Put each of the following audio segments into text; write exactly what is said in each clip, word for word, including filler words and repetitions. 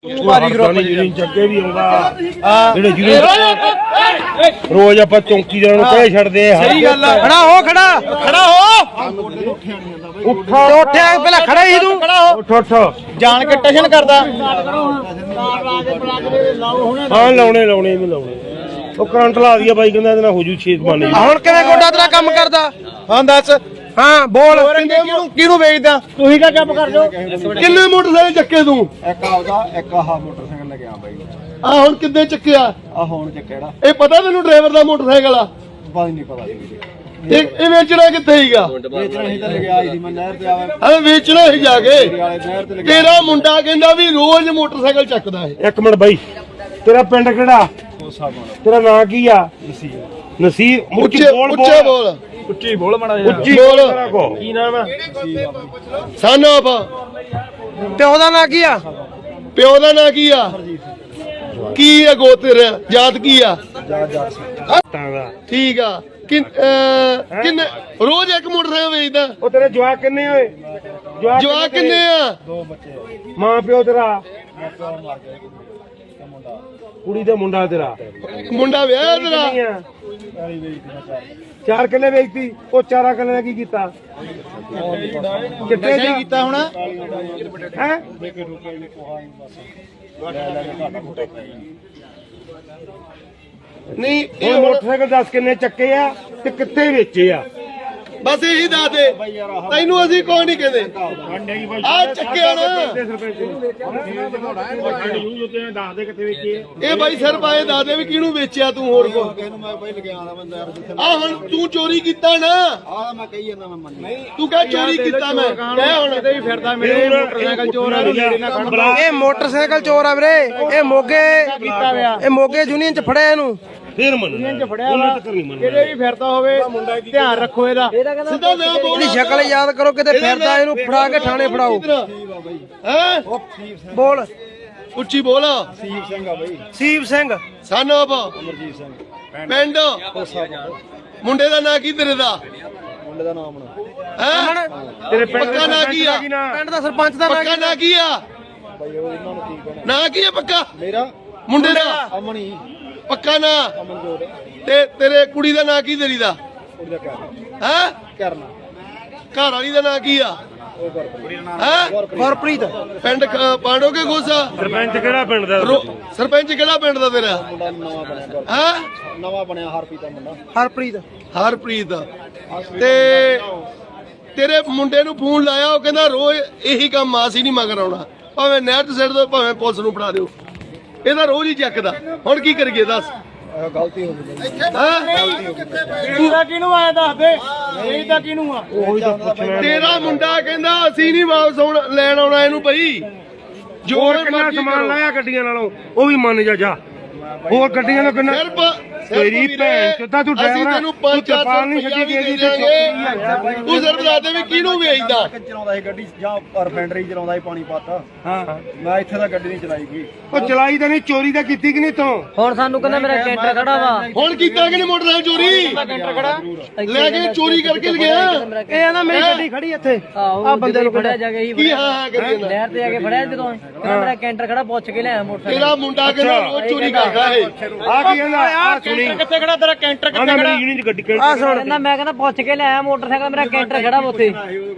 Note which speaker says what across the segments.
Speaker 1: ਭਾਰੀ ਗਰੁੱਪ ਜਿਹੜੀ ਚੱਕੇ ਵੀ ਆਉਂਦਾ ਜਿਹੜੇ ਜਿਹਨੂੰ ਰੋਜ਼ ਆਪਾਂ ਚੌਂਕੀਦਾਰਾਂ ਨੂੰ ਕਹਿ ਛੱਡਦੇ ਆ।
Speaker 2: ਸਹੀ ਗੱਲ ਆ। ਖੜਾ ਹੋ ਖੜਾ ਖੜਾ ਹੋ
Speaker 1: ਉੱਠਾ
Speaker 2: ਉੱਠਿਆ ਪਹਿਲਾਂ ਖੜਾ ਹੀ ਤੂੰ ਖੜਾ ਹੋ
Speaker 1: ਉੱਠ ਉੱਠ
Speaker 2: ਜਾਣ ਕੇ ਟਸ਼ਨ ਕਰਦਾ
Speaker 1: ਹਾਂ ਲਾਉਣੇ ਲਾਉਣੇ ਇਹਨੂੰ ਲਾਉਣੇ ਉਹ ਕਰੰਟ ਲਾ ਦਿਆ ਬਾਈ ਕਹਿੰਦਾ ਇਹਦੇ ਨਾਲ ਹੋ ਜੂ ਛੇਤ ਬਣ
Speaker 2: ਹੁਣ ਕਿਵੇਂ ਗੋਡਾ ਤੇਰਾ ਕੰਮ ਕਰਦਾ ਹਾਂ ਦੱਸ ਹਾਂ ਬੋਲ ਕਿਹਨੂੰ ਕਿਹਨੂੰ ਵੇਚਦਾ ਤੁਸੀਂ ਕਾ ਚੁੱਪ ਕਰ ਜਾਓ
Speaker 3: ਕਿੰਨੇ ਮੋਟਰਸਾਈਕਲ ਚੱਕੇ ਤੂੰ?
Speaker 4: ਇੱਕ ਆਉਦਾ ਇੱਕ ਆਹ ਮੋਟਰਸਾਈਕਲ ਲੱਗਿਆ ਬਾਈ
Speaker 3: ਆ ਹੁਣ ਕਿੱਦੇ ਚੱਕਿਆ?
Speaker 4: ਆ ਹੁਣ ਚੱਕਿਆ
Speaker 3: ਇਹ ਪਤਾ ਤੈਨੂੰ ਡਰਾਈਵਰ ਦਾ ਮੋਟਰਸਾਈਕਲ ਆ?
Speaker 4: ਬਾਈ ਨਹੀਂ ਪਤਾ ਸੀ
Speaker 3: ਇਹ ਇਹ ਵੇਚਣਾ ਕਿੱਥੇ ਹੀਗਾ?
Speaker 4: ਵੇਚਣਾ ਹੀ ਤਾਂ ਲੱਗਿਆ ਸੀ ਮੈਂ ਨਹਿਰ ਤੇ ਆਵੇ
Speaker 3: ਹਾਂ ਵੇਚਣਾ ਹੀ ਜਾ ਕੇ।
Speaker 4: ਵਾਲੇ ਨਹਿਰ ਤੇ ਲੱਗਿਆ
Speaker 3: ਤੇਰਾ ਮੁੰਡਾ ਕਹਿੰਦਾ ਵੀ ਰੋਜ਼ ਮੋਟਰਸਾਈਕਲ ਚੱਕਦਾ ਹੈ।
Speaker 1: ਇੱਕ ਮਿੰਟ ਬਾਈ ਤੇਰਾ ਪਿੰਡ ਕਿਹੜਾ?
Speaker 4: ਕੋਸਾ ਬਣ
Speaker 1: ਤੇਰਾ ਨਾਂ ਕੀ ਆ?
Speaker 4: ਨਸੀਬ
Speaker 1: ਨਸੀਰ
Speaker 3: ਉੱਚੇ ਉੱਚੇ ਬੋਲ
Speaker 4: ਉੱਚੀ ਬੋਲ ਮੜਾ
Speaker 1: ਉੱਚੀ
Speaker 3: ਬੋਲ।
Speaker 1: ਤੇਰਾ ਕੋ ਕੀ ਨਾਮ ਆ?
Speaker 3: ਸਨ ਆਪ
Speaker 2: ਪਿਓ ਦਾ ਨਾਂ ਕੀ ਆ
Speaker 3: ਪਿਓ ਦਾ ਨਾਂ ਕੀ ਆ? ਕੀ ਆ ਗੋ ਤੇਰਾ ਜਾਤ ਕੀ ਆ?
Speaker 4: ਜਾ ਜਾ
Speaker 1: ਤਾਂ ਦਾ
Speaker 3: ਠੀਕ ਆ ਕਿੰਨ ਅਹ, ਕਿੰਨੇ ਰੋਜ਼ ਇੱਕ ਮੋਟਰਸਾਈਕਲ ਵੇਚਦਾ?
Speaker 1: ਉਹ ਤੇਰੇ ਜਵਾਕ ਕਿੰਨੇ ਹੋਏ?
Speaker 3: ਜਵਾਕ ਕਿੰਨੇ ਆ?
Speaker 4: ਦੋ ਬੱਚੇ
Speaker 1: ਮਾਂ ਪਿਓ ਤੇਰਾ
Speaker 4: ਪਿਓ ਮਰ ਗਿਆ ਤੇ ਮੁੰਡਾ
Speaker 1: ਕੁੜੀ ਦਾ ਮੁੰਡਾ ਤੇਰਾ
Speaker 3: ਮੁੰਡਾ ਵਿਆਹਿਆ ਤੇਰਾ?
Speaker 1: ਕਿੰਨੀਆਂ?
Speaker 4: ਪੈਲੀ ਵੇਚਦੀ ਮੈਂ ਚਾਰ
Speaker 1: ਚਾਰ ਕਿੱਲੇ ਵੇਚਤੀ ਉਹ ਚਾਰਾ ਕਿੱਲੇ ਦਾ ਕੀ ਕੀਤਾ? ਕਿੱਥੇ
Speaker 2: ਨਸ਼ਾ ਕੀਤਾ ਹੁਣ
Speaker 1: ਹੈ
Speaker 4: ਦੇ ਕੇ ਰੁਕੇ ਵੀ ਕੋਹਾ ਹੀ ਬਸ ਲੈ ਲੈ ਕੇ ਘਾਟਾ ਘੁਟਾ ਪੈ
Speaker 3: ਨਹੀਂ ਇਹ
Speaker 1: ਇਹ
Speaker 3: ਹੁਣ
Speaker 1: ਮੋਟਰਸਾਈਕਲ ਦੱਸ ਕਿੰਨੇ ਚੱਕੇ ਆ ਤੇ ਕਿੱਥੇ ਵੇਚੇ ਆ?
Speaker 3: ਬਸ ਇਹੀ ਦੱਸ ਦੇ ਤੈਨੂੰ ਅਸੀਂ ਕੋਈ ਨਹੀਂ ਕਹਿੰਦੇ ਆ ਚੱਕਿਆ ਨਾ
Speaker 1: ਦੱਸ ਦੇ ਕਿੱਥੇ ਵੇਚੇ
Speaker 3: ਇਹ ਬਾਈ ਸਿਰ ਪਾਏ ਦੱਸ ਦੇ ਵੀ ਕਿਹਨੂੰ ਵੇਚਿਆ ਤੂੰ ਹੋਰ ਕੋ
Speaker 4: ਇਹਨੂੰ ਮੈਂ ਪਹਿਲ ਗਿਆ ਆਣਾ ਬੰਦਾ ਯਾਰ ਜਿੱਥੇ
Speaker 3: ਆ ਹੁਣ ਤੂੰ ਚੋਰੀ ਕੀਤਾ ਨਾ
Speaker 4: ਆ ਮੈਂ ਕਹੀ ਜਾਂਦਾ ਮੈਂ ਮੰਨ
Speaker 3: ਤੂੰ ਕਹ ਚੋਰੀ ਕੀਤਾ ਮੈਂ ਕਹਿ ਹੁਣ
Speaker 2: ਕਿਤੇ ਵੀ ਫਿਰਦਾ ਮੇਰੇ ਮੋਟਰਸਾਈਕਲ ਚੋਰ ਆ ਨੇੜੇ ਨਾ ਖੜਨ
Speaker 1: ਬੁਲਾ।
Speaker 2: ਇਹ ਮੋਟਰਸਾਈਕਲ ਚੋਰ ਆ ਵੀਰੇ ਇਹ ਮੋਗੇ ਇਹ ਮੋਗੇ ਯੂਨੀਅਨ ਚ ਫੜਿਆ ਇਹਨੂੰ
Speaker 1: ਫੇਰ ਮੰਨ ਉਹਨੇ ਤੱਕ ਨਹੀਂ ਮੰਨਣਾ
Speaker 2: ਕਿਤੇ ਵੀ ਫਿਰਦਾ ਹੋਵੇ ਧਿਆਨ ਰੱਖੋ ਇਹਦਾ
Speaker 3: ਸਿੱਧਾ ਨਾ ਬੋਲ
Speaker 2: ਇਹਦੀ ਸ਼ਕਲ ਯਾਦ ਕਰੋ ਕਿਤੇ ਫਿਰਦਾ ਇਹਨੂੰ ਫੜਾ ਕੇ ਥਾਣੇ ਫੜਾਓ
Speaker 3: ਹੈ
Speaker 2: ਬੋਲ
Speaker 3: ਉੱਚੀ ਬੋਲ
Speaker 4: ਸੀਪ ਸਿੰਘ ਆ ਬਾਈ
Speaker 2: ਸੀਪ ਸਿੰਘ
Speaker 3: ਸਨ ਆਪ
Speaker 4: ਅਮਰਜੀਤ ਸਿੰਘ
Speaker 3: ਪਿੰਡ
Speaker 4: ਕੋਸਾ ਬਣ
Speaker 3: ਮੁੰਡੇ ਦਾ ਨਾਂ ਕੀ ਤੇਰੇ ਦਾ
Speaker 4: ਮੁੰਡੇ ਦਾ ਨਾਮ ਨਾ
Speaker 3: ਹੈ
Speaker 1: ਤੇਰੇ ਪਿੰਡ
Speaker 3: ਪੱਕਾ ਨਾਂ ਕੀ ਆ?
Speaker 2: ਪਿੰਡ ਦਾ ਸਰਪੰਚ ਦਾ ਨਾਂ
Speaker 3: ਪੱਕਾ ਨਾਂ ਕੀ ਆ?
Speaker 4: ਬਾਈ ਉਹ ਇਹਨਾਂ ਨੂੰ ਕੀ ਕਹਿਣਾ
Speaker 3: ਨਾਂ ਕੀ ਆ ਪੱਕਾ
Speaker 4: ਮੇਰਾ
Speaker 3: ਮੁੰਡੇ ਦਾ
Speaker 4: ਅਮਣੀ
Speaker 3: ਪੱਕਾ ਨਾਂ
Speaker 4: ਅਮਨਜੋਤ
Speaker 3: ਤੇ ਤੇਰੇ ਕੁੜੀ ਦਾ ਨਾਂ ਕੀ ਤੇਰੀ ਦਾ?
Speaker 4: ਉਹਦਾ ਕਹਿਣਾ
Speaker 3: ਹੈ
Speaker 4: ਕਰਨਾ
Speaker 3: ਘਰ ਵਾਲੀ ਦਾ ਨਾਂ ਕੀ ਆ?
Speaker 4: ਉਹ ਗੁਰਪ੍ਰੀਤ
Speaker 3: ਹੈ
Speaker 2: ਗੁਰਪ੍ਰੀਤ
Speaker 3: ਪਿੰਡ ਖ- ਪਾਂਡੋਗੇ ਗੋਸਾ
Speaker 1: ਸਰਪੰਚ ਕਿਹੜਾ ਪਿੰਡ ਦਾ?
Speaker 3: ਰੋ- ਸਰਪੰਚ ਕਿਹੜਾ ਪਿੰਡ ਦਾ ਤੇਰਾ?
Speaker 4: ਮੁੰਡਾ ਨਵਾਂ ਬਣਿਆ ਗੁਰ-
Speaker 3: ਹੈ
Speaker 4: ਨਵਾਂ ਬਣਿਆ ਹਰਪ੍ਰੀਤ ਦਾ ਮੁੰਡਾ
Speaker 2: ਹਰਪ੍ਰੀਤ
Speaker 3: ਹਰਪ੍ਰੀਤ ਤੇ ਤੇਰੇ ਮੁੰਡੇ ਨੂੰ ਫੋਨ ਲਾਇਆ ਉਹ ਕਹਿੰਦਾ ਰੋਜ਼ ਇਹੀ ਕੰਮ ਆ ਸੀ ਨਹੀਂ ਮਗਰ ਆਉਣਾ ਭਾਵੇਂ ਨਹਿਰ ਤੇ ਸਿੱਟ ਦੋ ਭਾਵੇਂ ਪੁਲਿਸ ਨੂੰ ਫੜਾ ਦਿਓ ਇਹਦਾ ਰੋਜ਼ ਹੀ ਚੱਕਦਾ ਹੁਣ ਕੀ ਕਰੀਏ ਦੱਸ
Speaker 4: ਇਹ ਗਲਤੀ ਹੋ ਗਈ ਬਾਈ।
Speaker 3: ਹੈਂ?
Speaker 2: ਇਹਦਾ ਕਿਹਨੂੰ ਆਇਆ ਦੱਸ ਦੇ ਇਹਦਾ ਕਿਹਨੂੰ ਆ
Speaker 1: ਉਹੀ ਤਾਂ ਪੁੱਛਣਾ
Speaker 3: ਤੇਰਾ ਮੁੰਡਾ ਕਹਿੰਦਾ ਅਸੀਂ ਨਹੀਂ ਵਾਪਸ ਆਉਣ ਲੈਣ ਆਉਣਾ ਇਹਨੂੰ ਬਈ ਜੋ
Speaker 1: ਹੋਰ ਕਿੰਨਾ
Speaker 3: ਮਰਜ਼ੀ
Speaker 1: ਸਮਾਨ
Speaker 3: ਕਰੋ।
Speaker 1: ਲਾਇਆ ਗੱਡੀਆਂ ਨਾਲੋਂ ਉਹ ਵੀ ਮੰਨ ਜਾ ਜਾ ਹੋਰ ਗੱਡੀਆਂ ਦਾ ਕਿੰਨਾ
Speaker 3: ਸਿਰਫ
Speaker 1: ਤੇਰੀ ਭੈਣ ਚੋਦਾ ਤੂੰ
Speaker 3: ਅਸੀਂ
Speaker 1: ਡਰਾਈਵਰ
Speaker 3: ਤੈਨੂੰ
Speaker 1: ਤੂੰ
Speaker 3: ਪੰਜ ਚਾਰ
Speaker 1: ਤਰਪਾਲ
Speaker 3: ਸੌ
Speaker 1: ਨਹੀਂ
Speaker 3: ਰੁਪਇਆ
Speaker 1: ਛੱਡੀ
Speaker 3: ਵੀ
Speaker 1: ਗਈ
Speaker 3: ਦੇ
Speaker 1: ਤੇ
Speaker 3: ਦਿਆਂਗੇ ਤੂੰ ਸਿਰਫ ਦੱਸ ਦੇ ਵੀ ਕਿਹਨੂੰ ਵੇਚਦਾ
Speaker 4: ਚਲਾਉਂਦਾ ਸੀ ਗੱਡੀ ਜਾਂ ਰਿਫਾਈਨਰੀ ਚਲਾਉਂਦਾ ਸੀ ਪਾਣੀ ਪਾਤਾ
Speaker 1: ਹਾਂ
Speaker 4: ਮੈਂ ਇੱਥੇ ਤਾਂ ਗੱਡੀ ਨਹੀਂ ਚਲਾਈ ਗਈ
Speaker 1: ਉਹ ਚਲਾਈ ਤਾਂ ਨਹੀਂ ਚੋਰੀ ਤਾਂ ਕੀਤੀ ਕਿ ਨਹੀਂ ਤੂੰ?
Speaker 5: ਹੁਣ ਸਾਨੂੰ ਕਹਿੰਦਾ ਮੇਰਾ ਕੈਂਟਰ ਖੜਾ ਵਾ
Speaker 3: ਹੁਣ ਕੀਤਾ ਕਿ ਨਹੀਂ ਮੋਟਰਸਾਈਕਲ ਚੋਰੀ ਲੈ ਕੇ ਚੋਰੀ ਕਰਕੇ ਗਿਆ
Speaker 2: ਇਹ ਨਾ ਮੇਰੀ ਗੱਡੀ ਖੜੀ ਇੱਥੇ
Speaker 5: ਆ ਬੰਦੇ ਨੂੰ ਫੜਿਆ ਜਾ ਕੇ
Speaker 3: ਕੀ ਹਾਂ ਹਾਂ ਕਰੀ ਜਾਂਦਾ
Speaker 5: ਨਹਿਰ ਤੇ ਜਾ ਕੇ ਫੜਿਆ ਜਦੋਂ ਕਹਿੰਦਾ ਮੇਰਾ ਕੈਂਟਰ ਖੜਾ ਪੁੱਛ ਕੇ ਲਿਆ ਮੋਟਰਸਾਈਕਲ
Speaker 3: ਤੇਰਾ ਮੁੰਡਾ ਕਹਿੰਦਾ ਰੋਜ਼ ਚੋਰੀ ਕਰਦਾ ਇਹ
Speaker 1: ਆ ਕੀ ਕਹਿੰਦਾ ਆ ਸੁਣੀ
Speaker 2: ਕਿੱਥੇ ਖੜਾ ਤੇਰਾ ਕੈਂਟਰ
Speaker 1: ਕਹਿੰਦਾ ਮੇਰੀ ਯੂਨੀ ਦੀ ਗੱਡੀ
Speaker 2: ਆ ਸੁਣ
Speaker 5: ਕਹਿੰਦਾ ਮੈਂ ਕਹਿੰਦਾ ਪੁੱਛ ਕੇ ਲਿਆ ਮੋਟਰਸਾਈਕਲ ਮੇਰਾ ਕੈਂਟਰ ਖੜਾ ਵਾ ਉੱਥੇ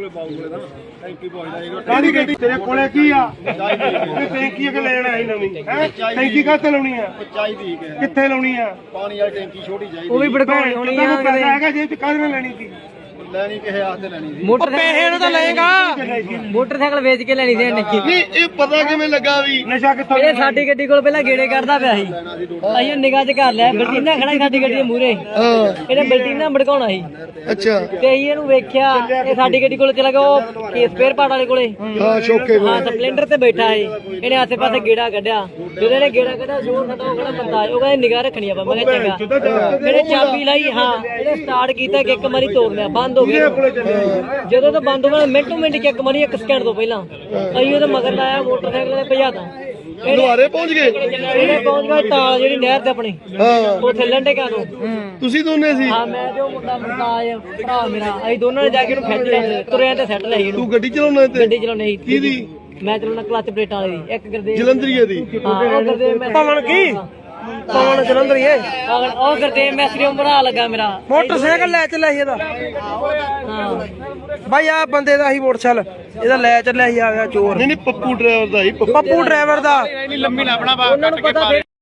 Speaker 1: ਕਾਹਦੀ ਗੱਡੀ ਤੇਰੇ ਕੋਲੇ ਕੀ ਆ ਤੇ ਟੈਂਕੀ ਕਿ ਲੈਣ ਆਈ ਨਵੀਂ ਹੈ ਟੈਂਕੀ ਕਾਹਤੇ ਲਾਉਣੀ ਆ?
Speaker 4: ਚਾਹੀਦੀ ਕਿ
Speaker 1: ਕਿੱਥੇ ਲਾਉਣੀ ਆ?
Speaker 4: ਪਾਣੀ ਵਾਲੀ ਟੈਂਕੀ ਛੋਟੀ ਚਾਹੀਦੀ
Speaker 5: ਉਹ ਵੀ ਭੜਕਾਉਣੀ ਹੋਣੀ
Speaker 1: ਜਿੱਦਾਂ
Speaker 5: ਆ
Speaker 1: ਕੋਈ ਪੈਸਾ ਹੈਗਾ ਜੇਬ ਚ ਕਾਹਦੇ ਨਾਲ ਲੈਣੀ ਸੀ?
Speaker 4: ਲੈਣੀ ਕਿਸੇ ਆਸਤੇ ਲੈਣੀ ਸੀ
Speaker 2: ਪੈਸੇ ਨੂੰ ਤਾਂ ਲਏਗਾ
Speaker 5: ਮੋਟਰਸਾਈਕਲ ਵੇਚ ਕੇ ਲੈਣੀ ਸੀ ਇਹਨੇ
Speaker 3: ਨਹੀਂ ਇਹ ਪਤਾ ਕਿਵੇਂ ਲੱਗਾ ਵੀ
Speaker 1: ਨਸ਼ਾ ਕਿੱਥੋਂ
Speaker 5: ਇਹ ਸਾਡੀ ਗੱਡੀ ਕੋਲ ਪਹਿਲਾਂ ਗੇੜੇ ਕੱਢਦਾ ਪਿਆ ਸੀ ਅਸੀਂ ਨਿਗਾਹ 'ਚ ਕਰ ਲਿਆ ਬਲਟੀਨਾ ਖੜਾ ਸੀ ਸਾਡੀ ਗੱਡੀ ਦੇ ਮੂਹਰੇ ਇਹਨੇ ਬਲਟੀਨਾ ਭੜਕਾਉਣਾ ਸੀ
Speaker 3: ਅੱਛਾ
Speaker 5: ਤੇ ਅਸੀਂ ਇਹਨੂੰ ਵੇਖਿਆ ਇਹ ਸਾਡੀ ਗੱਡੀ ਕੋਲ ਚਲਾ ਗਿਆ ਉਹ ਕੇਸ ਸਪੇਅਰ ਪਾਰਟ ਵਾਲੇ ਕੋਲੇ
Speaker 3: ਹਾਂ ਸ਼ੋਕੇ
Speaker 5: ਹਾਂ ਸਪਲੈਂਡਰ ਤੇ ਬੈਠਾ ਏ ਇਹਨੇ ਆਸੇ ਪਾਸੇ ਗੇੜਾ ਕੱਢਿਆ ਜਦੋਂ ਇਹਨੇ ਗੇੜਾ ਕੱਢਿਆ ਜੋਰ ਸਾਡਾ ਉਹ ਕਿਹੜਾ ਬੰਦਾ ਉਹ ਕਹਿੰਦਾ ਨਿਗਾਹ ਰੱਖਣੀ ਆਪਾਂ ਮੈਂ ਕਿਹਾ ਚੰਗਾ ਇਹਨੇ ਚਾਬੀ ਲਾਈ ਹਾਂ ਇਹਨੇ ਸਟਾਰਟ ਕੀਤਾ ਕਿ ਇੱਕ ਵਾਰੀ ਤੋੜ ਲਿਆ ਬੰਦ ਹੋ ਗਿਆ ਜਦੋਂ ਤਾਂ ਬੰਦ ਹੋ ਗਿਆ ਮਿੰਟੋ ਮਿੰਟ ਕਿ ਇੱਕ ਵਾਰੀ ਇੱਕ ਸਕਿੰਟ ਤੋਂ ਪਹਿਲਾਂ ਅਸੀਂ ਉਹਦੇ ਮਗਰ ਲਾਇਆ ਮੋਟਰਸਾਈਕਲ ਤੇ ਭਜਾਤਾ
Speaker 3: ਦੁਆਰੇ ਪਹੁੰਚ ਗਏ
Speaker 5: ਇਹਨੇ ਪਹੁੰਚ ਗਿਆ ਤਾਲ ਜਿਹੜੀ ਨਹਿਰ ਤੇ ਆਪਣੀ
Speaker 3: ਹਾਂ
Speaker 5: ਉੱਥੇ ਲੰਡੇਕਾਂ ਤੋਂ
Speaker 3: ਤੁਸੀਂ ਦੋਨੇ ਸੀ
Speaker 5: ਹਾਂ ਮੈਂ ਤੇ ਉਹ ਮੁੰਡਾ ਮੁੰਡਾ ਭਰਾ ਮੇਰਾ ਅਸੀਂ ਦੋਨਾਂ ਨੇ ਜਾ ਕੇ ਉਹਨੂੰ ਖਿੱਚ ਲਿਆ ਤੁਰਿਆ ਤੇ ਸੈੱਟ ਲਈ ਇਹਨੂੰ
Speaker 3: ਤੂੰ ਗੱਡੀ ਚਲਾਉਣਾ ਤੇ
Speaker 5: ਗੱਡੀ ਚਲਾਉਣੀ ਸੀ
Speaker 3: ਕਿਹਦੀ
Speaker 5: ਮੈਂ ਚਲਾਉਣਾ ਕਲਚ ਪਲੇਟਾਂ ਵਾਲੀ ਦੀ ਇੱਕ ਗੁਰਦੇਵ
Speaker 3: ਜਲੰਧਰੀਏ ਦੀ
Speaker 5: ਹਾਂ ਉਹ ਗੁਰਦੇਵ ਮੈਂ
Speaker 2: ਪਵਨ ਕੀ ਪਵਨ ਜਲੰਧਰ ਇਹ
Speaker 5: ਉਹ ਉਹ ਗੁਰਦੇਵ ਮੈਸਰੀ ਉਹ ਬਣਾ ਲੱਗਾ ਮੇਰਾ
Speaker 2: ਮੋਟਰਸਾਈਕਲ ਲੈ ਚੱਲਿਆ ਸੀ ਇਹਦਾ
Speaker 5: ਹਾਂ
Speaker 2: ਬਾਈ ਆ ਬੰਦੇ ਦਾ ਹੀ ਮੋਟਰਸਾਈਕਲ ਇਹਦਾ ਲੈ ਚੱਲਿਆ ਸੀ ਆ ਗਿਆ ਚੋਰ
Speaker 3: ਨਹੀਂ ਨਹੀਂ ਪੱਪੂ ਡਰਾਈਵਰ ਦਾ ਹੀ
Speaker 2: ਪੱਪੂ ਡਰਾਈਵਰ ਦਾ
Speaker 5: ਉਹਨਾਂ ਨੂੰ ਪਤਾ